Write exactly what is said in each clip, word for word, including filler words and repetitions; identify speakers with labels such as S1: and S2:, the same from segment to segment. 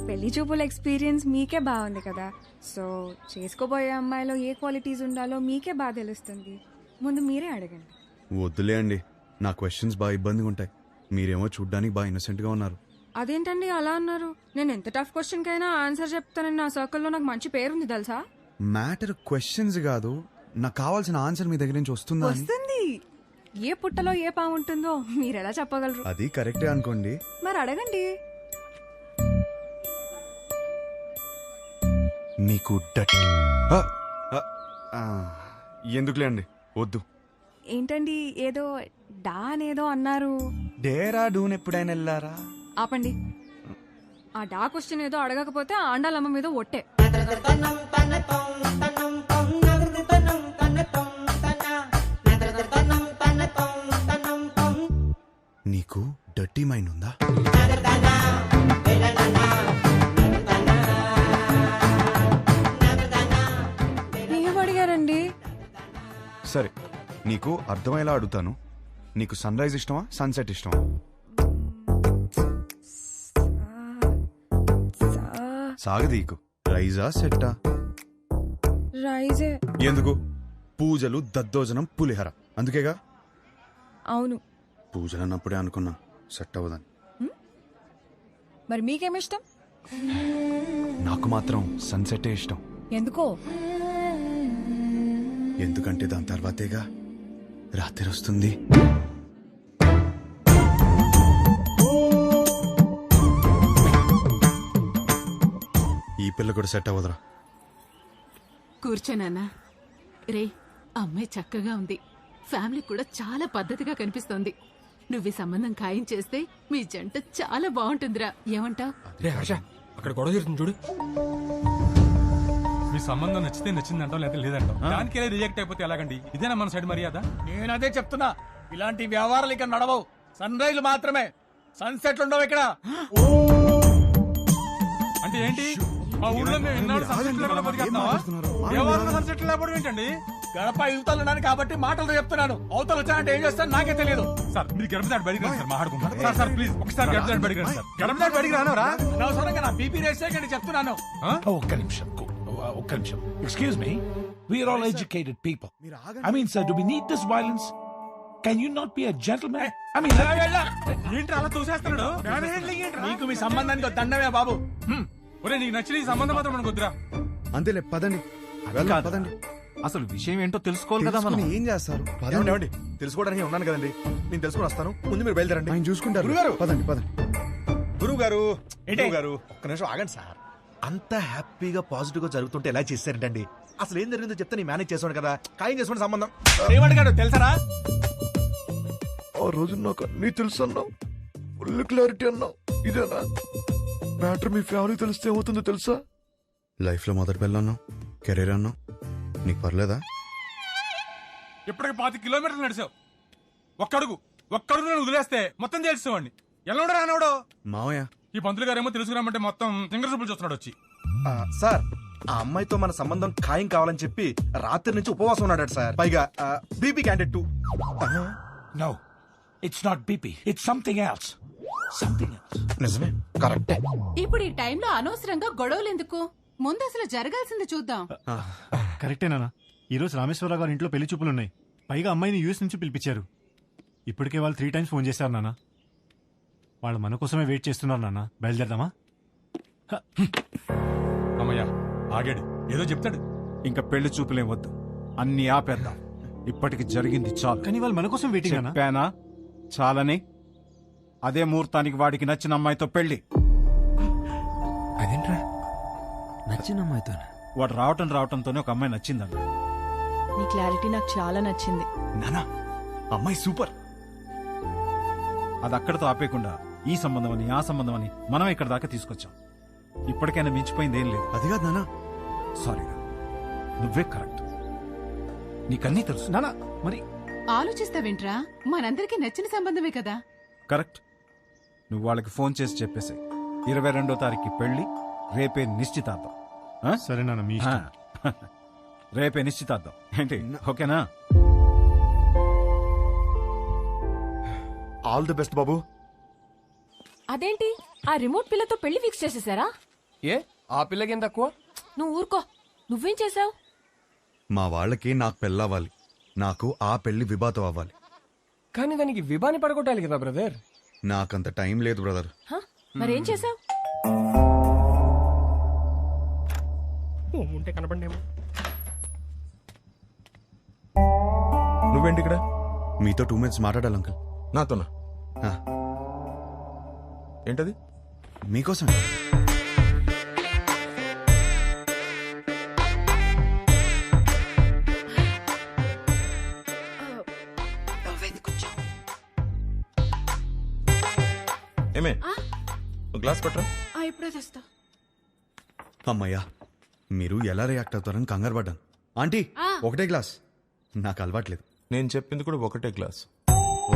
S1: పెళ్లి చూపుల ఎక్స్పీరియన్స్ మీకే బాగుంది కదా, సో చేసుకోబోయే అమ్మాయిలో ఏ క్వాలిటీస్ ఉండాలో మీకే బాగా తెలుస్తుంది. ముందు మీరే అడగండి.
S2: వద్దులే అండి, నా క్వశ్చన్స్ బాగా ఇబ్బందిగా ఉంటాయి. మీరేమో చూడ్డానికి బాగా ఇన్నోసెంట్ గా ఉన్నారు.
S1: అదేంటండి అలా అన్నారు? నేను ఎంత టఫ్ క్వశ్చన్ కైనా ఆన్సర్ చెప్తానని నా సర్కిల్లో నాకు మంచి పేరుంది తెలుసా.
S2: మ్యాటర్ క్వశ్చన్స్ కాదు, నాకు కావాల్సిన ఆన్సర్ మీ దగ్గర నుంచి వస్తుందా అని.
S1: వస్తుంది. ఏ పుట్టలో ఏ పాము ఉంటుందో మీరు ఎలా చెప్పగలరు?
S2: అది కరెక్టే అనుకోండి.
S1: మరి అడగండి.
S2: నీకు డట్ ఎందుకులే అండి, వద్దు.
S1: ఏంటండి ఏదో డా అనేదో అన్నారు?
S2: డేరా డూన్ ఎప్పుడైనా వెళ్ళారా?
S1: ఆపండి. ఆ డా క్వశ్చన్ ఏదో అడగకపోతే ఆండాలమ్మ మీద ఒట్టే.
S2: నీకు డర్టీ మైండ్ ఉందా?
S1: ఏం అడిగారండి?
S2: సరే, నీకు అర్థమయ్యేలా అడుగుతాను. నీకు సన్ రైజ్ ఇష్టమా, సన్సెట్ ఇష్టమా? సాగదీకు. రైజా సెట్టా?
S1: రైజే.
S2: ఎందుకు? పూజలు, దద్దోజనం, పులిహర, అందుకేగా.
S1: అవును.
S2: పూజలు అన్నప్పుడే అనుకున్నా సెట్ అవ్వదని.
S1: మరి మీకేమిష్టం?
S2: నాకు మాత్రం సన్సెటే ఇష్టం.
S1: ఎందుకో?
S2: ఎందుకంటే దాని తర్వాతేగా రాత్రి వస్తుంది. ఈ పిల్ల కూడా సెట్ అవ్వదురా.
S3: కూర్చోనన్నా. రే, అమ్మాయి చక్కగా ఉంది, ఫ్యామిలీ కూడా చాలా పద్ధతిగా కనిపిస్తోంది. నువ్వు ఈ సంబంధం ఖాయం చేస్తే మీ జంట చాలా బాగుంటుందిరా. ఏమంటావ్?
S4: రే హర్ష, అక్కడ గొడవ జరుగుతుంది చూడు. మీ సంబంధం నచ్చితే నచ్చిందంటాం, లేదా లేదంటాం. దానికే రిజెక్ట్ అయిపోతే ఎలాగండి? ఇదేనా మన సైడ్ మర్యాద?
S5: నేను అదే చెప్తున్నా, ఇలాంటి వ్యవహారాలు ఇక్కడ నడవవు. సన్ రైజ్ మాత్రమే, సన్సెట్లు ఉండవు ఇక్కడ.
S4: అంటే ఏంటి? మా ఊళ్ళో మేము ఎన్నాడు సన్సెట్ లేకుండా బతికేస్తున్నావా? ఎవరు సన్సెట్ లేకపోవడం ఏంటండి?
S5: గడప యువతలు ఉన్నాను కాబట్టి మాటలతో చెప్తున్నాను. అవతలు వచ్చానంటే ఏం చేస్తాను నాకే తెలియదు.
S4: సార్ మీరు గడప దాటి బడికి రండి సార్, మాట్లాడుకుంటారు. సార్ సార్ ప్లీజ్ ఒకసారి గడప దాటి బడికి రండి సార్. గడప దాటి బడికి రానవరా?
S5: అనవసరంగా నా బీపీ రేస్ చేయకండి చెప్తున్నాను.
S6: ఒక్క నిమిషం, ఒక్క నిమిషం. Excuse me, we are all educated people. I mean sir, do we need this violence? Can you not be a gentlemen? I mean
S4: ఏంటి అలా తోసేస్తున్నాడు?
S5: నీకు మీ సంబంధానికి ఒక దండమే బాబు.
S4: ఒరే, నీకు నచ్చిన ఈ సంబంధం మాత్రం మనకు వద్దురా.
S2: అంతేలే, పదండి వెళ్దాం, పదండి.
S7: అసలు విషయం ఏంటో తెలుసుకోవాలి కదా మనం.
S2: తెలుసుకుని ఏం చేస్తారు?
S8: ఏమండి, ఏమండి, తెలుసుకోవడానికి ఉన్నాను కదండి, నేను తెలుసుకుని వస్తాను. ముందు మీరు బయలుదేరండి.
S2: ఆయన చూసుకుంటారు.
S8: గురుగారు,
S2: పదండి పదండి.
S8: గురువు గారు,
S5: ఏంటి?
S8: గురువు గారు, ఒక్క నిమిషం ఆగండి సార్. అంత హ్యాపీగా పాజిటివ్ గా జరుగుతుంటే ఎలా చేశారంటండి? అసలు ఏం జరిగిందో చెప్తే నేను మేనేజ్ చేసాను కదా. ఖాయం చేసుకోండి సంబంధం.
S5: ఏమడిగాడు తెలుసరా?
S8: ఆ రోజు నాకు అన్ని తెలుసు అన్నావు, ఫుల్ క్లారిటీ అన్నావు. ఇదేనా మ్యాటర్? మీ ఫ్యామిలీ తెలిస్తే ఏమవుతుందో తెలుసా?
S2: లైఫ్ లో మొదటి పిల్ల అన్నావు, కెరీర్ అన్నావు, నీకు పర్లేదా?
S4: ఇప్పటికి పాతి కిలోమీటర్లు నడిచావు. ఒక్కడుగు ఒక్కడుగు నేను వదిలేస్తే మొత్తం తెలుసుకోండి. ఎలా ఉండరా రానవడో
S2: మావయ్య.
S4: ఈ పంతులు గారేమో తెలుసుకురామంటే మొత్తం సింగర్ చూపులు చూస్తున్నాడు వచ్చి.
S8: ఆ, సార్, ఆ అమ్మాయితో మన సంబంధం ఖాయం కావాలని చెప్పి రాత్రి నుంచి ఉపవాసం ఉన్నాడు సార్. పైగా BP candidate too.
S6: No, it's not BP, it's something else. Something else.
S8: నిజమే, కరెక్టే.
S3: ఇప్పుడు ఈ టైంలో అనవసరంగా గొడవలు ఎందుకు? ముందు అసలు జరగాల్సింది చూద్దాం.
S7: కరెక్టేనా? ఈ రోజు రామేశ్వరరావు గారి ఇంట్లో పెళ్లి చూపులున్నాయి. పైగా అమ్మాయిని యూఎస్ నుంచి పిలిపించారు. ఇప్పటికే వాళ్ళు త్రీ టైమ్స్ ఫోన్ చేశారు నాన్న. వాళ్ళు మన కోసమే వెయిట్ చేస్తున్నారు నాన్న. బయలుదేరదామా?
S4: అమ్మయ్యా, ఆగాడు. ఏదో చెప్తాడు.
S9: ఇంకా పెళ్లి చూపులేం వద్దు, అన్ని ఆపేద్దాం. ఇప్పటికి జరిగింది చాలు.
S7: కానీ వాళ్ళు మన కోసం వెయిటింగ్ అన్నా.
S9: చెప్పానా చాలని? అదే ముహూర్తానికి వాడికి నచ్చిన అమ్మాయితో పెళ్లి.
S7: అదేంట్రా నచ్చిన అమ్మాయితో?
S9: వాడు రావటం రావటంతోనే ఒక అమ్మాయి నచ్చిందన్న.
S1: నీ క్లారిటీ నాకు చాలా నచ్చింది.
S2: నానా, అమ్మాయి సూపర్.
S9: అది అక్కడతో ఆపేయకుండా ఈ సంబంధం అని ఆ సంబంధం అని మనం ఇక్కడ దాకా తీసుకొచ్చాం. ఇప్పటికైనా మించిపోయింది ఏం లేదు.
S2: అది కాదు నానా.
S9: సారీరా, నువ్వే కరెక్ట్. నీకన్నీ తెలుసు
S7: నానా. మరి
S3: ఆలోచిస్తావేంట్రా? మనందరికీ నచ్చిన సంబంధమే కదా.
S9: కరెక్ట్. నువ్వు వాళ్ళకి ఫోన్ చేసి చెప్పేసి ఇరవై రెండో తారీఖు పెళ్లి, రేపే నిశ్చితార్థం. ఆ?
S7: సరే నాన్న, మీ ఇష్టం.
S9: రేపే నిశ్చితార్థం ఏంటి? ఓకేనా?
S8: ఆల్ ది బెస్ట్ బాబు.
S1: అదేంటి ఆ రిమోట్ పిల్లతో పెళ్లి ఫిక్స్ చేసేసారా?
S5: ఏ ఆ పిల్లకేం తక్కువ?
S10: నువ్వు ఊరుకో. నువ్వేం చేసావు?
S2: మా వాళ్ళకి నాకు పెళ్ళవ్వాలి, నాకు ఆ పెళ్లి విభాతం అవ్వాలి.
S5: కానీ దానికి విభాని పడగొట్టాలి కదా బ్రదర్.
S2: నాకంత టైం లేదు బ్రదర్.
S10: మరేం చేసావు?
S5: ఉంటే కనపడేమో.
S8: నువ్వేంటి ఇక్కడ?
S2: మీతో టూ మినిట్స్ మాట్లాడాలి అంకుల్.
S8: నాతోనా?
S2: ఆ,
S8: ఏంటది?
S2: మీకోసం.
S8: ఏమే గ్లాస్ పట్టరా.
S10: ఇప్పుడే తెస్తా.
S2: అమ్మయ్యా, మీరు ఎలా రియాక్ట్ అవుతారని కంగారు పడ్డాను. ఆంటీ ఒకటే గ్లాస్, నాకు అలవాట్లేదు.
S8: నేను చెప్పింది కూడా ఒకటే గ్లాస్.
S2: ఓ,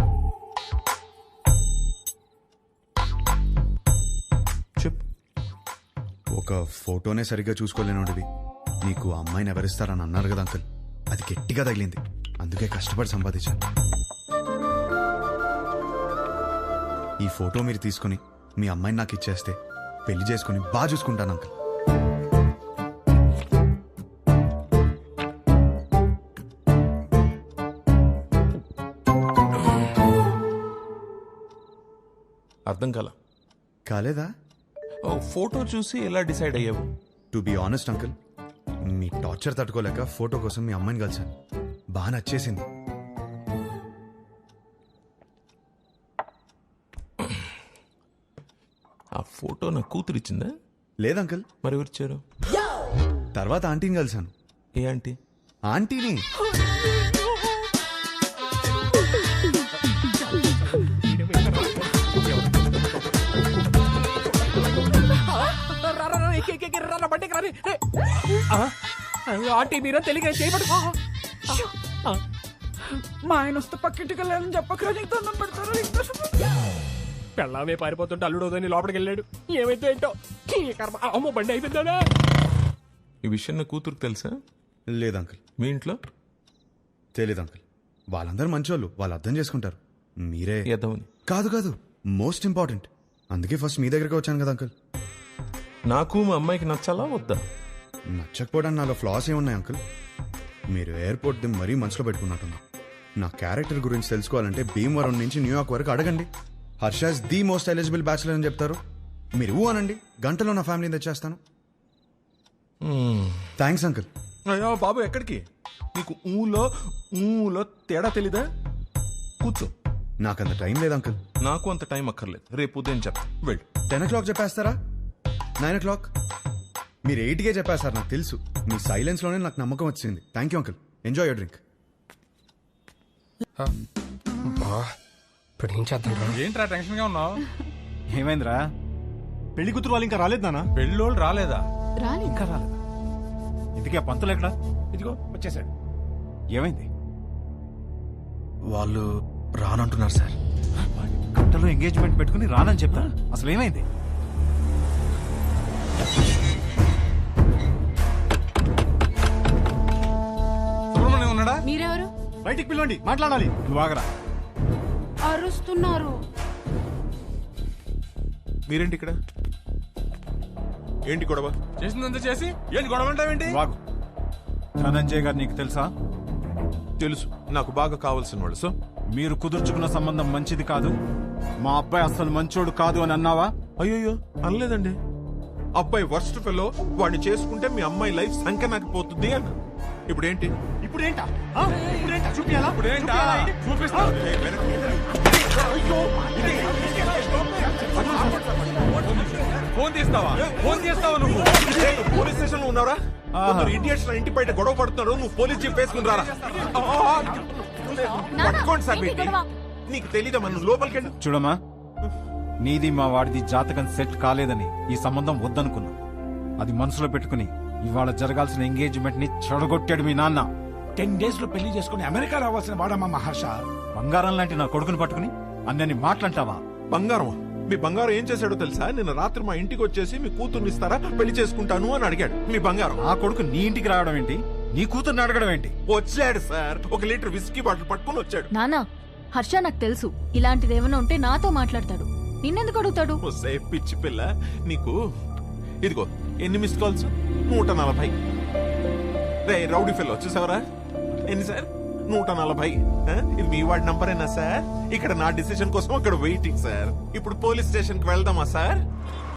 S8: చెప్పు.
S2: ఒక ఫోటోనే సరిగ్గా చూసుకోలేనోడివి నీకు అమ్మాయిని ఎవరిస్తారని అన్నారు కదా అంకుల్, అది గట్టిగా తగిలింది, అందుకే కష్టపడి సంపాదించాను. ఈ ఫోటో మీరు తీసుకుని మీ అమ్మాయిని నాకు ఇచ్చేస్తే పెళ్లి చేసుకుని బాగా చూసుకుంటాను అంకుల్.
S8: అర్థం కాల.
S2: కాలేదా?
S8: ఓ, ఫోటో చూసి ఎలా డిసైడ్ అయ్యావు?
S2: టు బి ఆనెస్ట్ అంకుల్, మీ టార్చర్ తట్టుకోలేక ఫోటో కోసం మీ అమ్మాయిని కలిసాను. బాగా నచ్చేసింది.
S8: ఆ ఫోటో నా కూతురు ఇచ్చిందా?
S2: లేదు అంకుల్.
S8: మరి ఎవరిచ్చారు?
S2: తర్వాత ఆంటీని కలిసాను.
S8: ఏ ఆంటీ?
S2: ఆంటీని.
S5: ఆంటీ మీరా తెలియక చేయబడు. మా ఆయన వస్తే పక్కింటికి వెళ్ళాలని చెప్పకరా, నీకు దండం పెడతారు. పెళ్ళామే పారిపోతుంటే అల్లుడోదని లోపలికి వెళ్ళాడు. ఏమైతే ఏంటో ఈ కర్మ. అమ్మో బండి అయిపోయిందా?
S8: ఈ విషయం నా కూతురుకు తెలుసా?
S2: లేదు అంకుల్.
S8: మీ ఇంట్లో?
S2: తెలీదు అంకుల్. వాళ్ళందరూ మంచోళ్ళు, వాళ్ళు అర్థం చేసుకుంటారు. మీరే
S8: ఎదవని.
S2: కాదు కాదు, మోస్ట్ ఇంపార్టెంట్. అందుకే ఫస్ట్ మీ దగ్గరికి వచ్చాను కదా అంకుల్.
S8: నాకు మా అమ్మాయికి నచ్చాలా వద్దా?
S2: నచ్చకపోవడానికి నాలో ఫ్లాస్ ఏమున్నాయి అంకుల్? మీరు ఎయిర్పోర్ట్ ది మరీ మనసులో పెట్టుకున్నట్టున్నా. నా క్యారెక్టర్ గురించి తెలుసుకోవాలంటే భీమవరం నుంచి న్యూయార్క్ వరకు అడగండి. Harsha's the most eligible bachelor అని చెప్తారు. మీరు ఊ అనండి, గంటలో నా ఫ్యామిలీని తెచ్చేస్తాను. Thanks uncle.
S8: అయ్యో బాబు, ఎక్కడికి? నీకు ఊలో ఊలో తేడా తెలీదా? కూర్చో.
S2: నాకంత టైం లేదు అంకుల్.
S8: నాకు అంత టైం అక్కర్లేదు, రేపు ఉదయం చెప్తా. వెళ్ళు.
S2: టెన్ ఓ క్లాక్ చెప్పేస్తారా? Nine o'clock? మీరు ఎయిట్కే చెప్పేస్తారు, నాకు తెలుసు. మీ సైలెన్స్ లోనే నాకు నమ్మకం వచ్చింది. Thank you uncle. Enjoy your drink.
S5: ఇప్పుడు ఏం చేద్దాం?
S4: ఏంట్రా టెన్షన్ గా ఉన్నావు?
S7: ఏమైందిరా? పెళ్లి కూతురు వాళ్ళు ఇంకా రాలేదు నాన్న.
S4: పెళ్ళోళ్ళు రాలేదా?
S3: రాని
S7: ఇంకా రాలేదా? ఇంతకీ ఆ పంతులు ఎక్కడా?
S5: ఇదిగో వచ్చేసాడు.
S7: ఏమైంది?
S2: వాళ్ళు రానంటున్నారు సార్.
S7: గంటలో ఎంగేజ్మెంట్ పెట్టుకుని రానని చెప్తా. అసలు ఏమైంది?
S4: సుబ్రహ్మణ్యం ఉన్నాడా?
S10: మీరెవరు?
S7: బయటికి పిలవండి, మాట్లాడాలి. నువ్వు ఆగరా.
S10: అరుస్తున్నారు.
S8: మీరేంటి ఇక్కడ? ఏంటి గొడవ?
S4: చేసిందంతా చేసి ఏంటి గొడవ అంటావేంటి?
S7: నువ్వు ఆగు. ధనంజయ్ గారు నీకు తెలుసా?
S8: తెలుసు, నాకు బాగా కావాల్సిన వాళ్ళు. సో
S7: మీరు కుదుర్చుకున్న సంబంధం మంచిది కాదు, మా అబ్బాయి అసలు మంచోడు కాదు అని అన్నావా?
S8: అయ్యో అనలేదండి. అబ్బాయి వర్స్ట్ ఫెలో, వాడిని చేసుకుంటే మీ అమ్మాయి లైఫ్ సంకనాకపోతుంది అన్న. ఇప్పుడేంటి?
S7: ఇప్పుడేంటా? ఆ? ఇప్పుడేంటా? చూపియాలా?
S4: ఇప్పుడేంటా? చూపిస్తా. ఫోన్ తీస్తావా? ఫోన్ చేస్తావా నువ్వు?
S8: పోలీస్ స్టేషన్ లో ఉన్నారా? ఇండియన్స్ ఇంటి బయట గొడవ పడుతున్నారు, నువ్వు పోలీస్ జీప్ వేసుకుని రారా. పట్టుకోండి సార్. నీకు తెలీదా? మనం లోపలికి వెళ్ళి
S7: చూడమ్మా, నీది మా వాడిది జాతకం సెట్ కాలేదని ఈ సంబంధం వద్దనుకున్నా. అది మనసులో పెట్టుకుని ఇవాళ జరగాల్సిన ఎంగేజ్మెంట్ ని చెడగొట్టాడు మీ నాన్న.
S6: టెన్ డేస్ లో పెళ్లి చేసుకుని అమెరికా రావాల్సిన వాడమ్మా మహర్ష.
S7: బంగారం లాంటి నా కొడుకుని పట్టుకుని అన్నని మాట్లాంటావా?
S8: బంగారం? మీ బంగారం ఏం చేశాడో తెలుసా? నిన్న రాత్రి మా ఇంటికి వచ్చేసి మీ కూతుర్ని ఇస్తారా, పెళ్లి చేసుకుంటాను అని అడిగాడు. మీ బంగారం.
S7: ఆ కొడుకు నీ ఇంటికి రావడం ఏంటి? నీ కూతుర్ని అడగడం ఏంటి?
S8: వచ్చాడు సార్, ఒక లీటర్ విస్కీ బాటిల్ పట్టుకుని వచ్చాడు.
S10: నానా, హర్ష నాకు తెలుసు ఇలాంటిది ఏమైనా ఉంటే నాతో మాట్లాడతాడు. నిన్నెందుకు అడుగుతాడు?
S8: ఒసే పిచ్చి పిల్ల, నీకు
S11: ఇదిగో ఎన్ని మిస్ కాల్స్? నూట నలభై. రే రౌడీ ఫెలో చూసావరా? ఎన్ని సార్? నూట నలభై. ఆ? ఇది మీ వాడి నంబరేనా సార్? ఇక్కడ నా డిసిషన్ కోసం అక్కడ వెయిటింగ్ సార్. ఇప్పుడు పోలీస్ స్టేషన్ కి వెళ్దామా సార్?